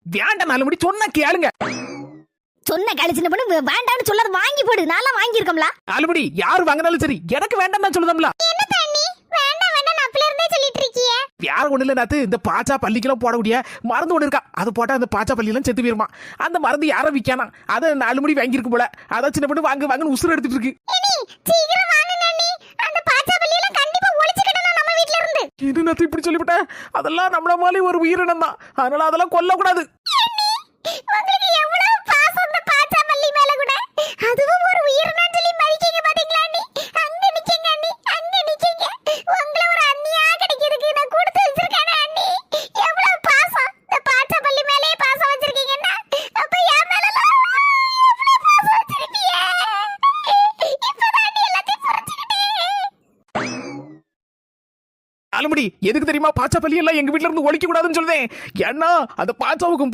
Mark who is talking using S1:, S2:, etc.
S1: வேண்டாம் நாலுமுடி சொன்னா கேளுங்க.
S2: சொன்ன கழிச்சு பண்ணு வேண்டாம்னு சொல்லாத வாங்கி போடு. நான்லாம் வாங்கி இருக்கோம்ல.
S1: நாலுமுடி யார் வாங்கினாலும் சரி எனக்கு வேண்டாம் தான் சொல்லுதம்ல.
S2: என்ன தண்ணி வேண்டாம் வேண்டாம் நான் அப்பல இருந்தே சொல்லிட்டு இருக்கியே.
S1: யார் ஒண்ணு இல்ல நாத்து, இந்த பாச்சா பள்ளிக்கெல்லாம் போடக்கூடிய மருந்து ஒண்ணு இருக்கா, அது போட்டா அந்த பாச்சா பள்ளியெல்லாம் செத்து போயிருமா. அந்த மருந்து யாரும் விற்கானா, அதை நாலுமுடி வாங்கியிருக்கு போல. அதான் சின்ன பொண்ணு வாங்க வாங்கன்னு உசுறு எடுத்துட்டு இருக்கு.
S2: சீக்கிரம் வாங்க நன்னி. அந்த பாச்சா பள்ளியெல்லாம் கண்டிப்பா ஒளிச்சுக்கிடணும் நம்ம வீட்ல இருந்து.
S1: இது நாத்து இப்படி சொல்லிவிட்டேன். அதெல்லாம் நம்மள மாதிரி ஒரு உயிரினம் தான், அதனால அதெல்லாம் கொல்லக்கூடாது.
S2: உங்களுக்கு எவ்வளவு பாசம் அந்த பாச்சா பள்ளி மேல கூட. அதுவும் ஒரு உயிரினம் சொல்லி மதிக்கீங்க பாத்தீங்களா அண்ணி. அங்க நிக்கீங்க அண்ணி, அங்க நிக்கீங்க. உங்களை ஒரு அண்ணியா கிடைக்கிறதுக்கு நான் கொடுத்து வச்சிருக்கேனே அண்ணி. எவ்வளவு பாசம் இந்த பாச்சா பள்ளி மேலயே பாசம் வச்சிருக்கீங்கன்னா அப்ப என் மேல எவ்வளவு பாசம் வச்சிருக்கீங்க. இப்பதான் அண்ணி எல்லாத்தையும் புரிஞ்சுக்கிட்டேன்.
S1: நாலுமுடி எதுக்கு தெரியுமா பாச்சா பள்ளி எல்லாம் எங்க வீட்ல இருந்து ஒழிக்க கூடாதுன்னு சொல்றேன். ஏன்னா அந்த பாச்சாவுக்கும்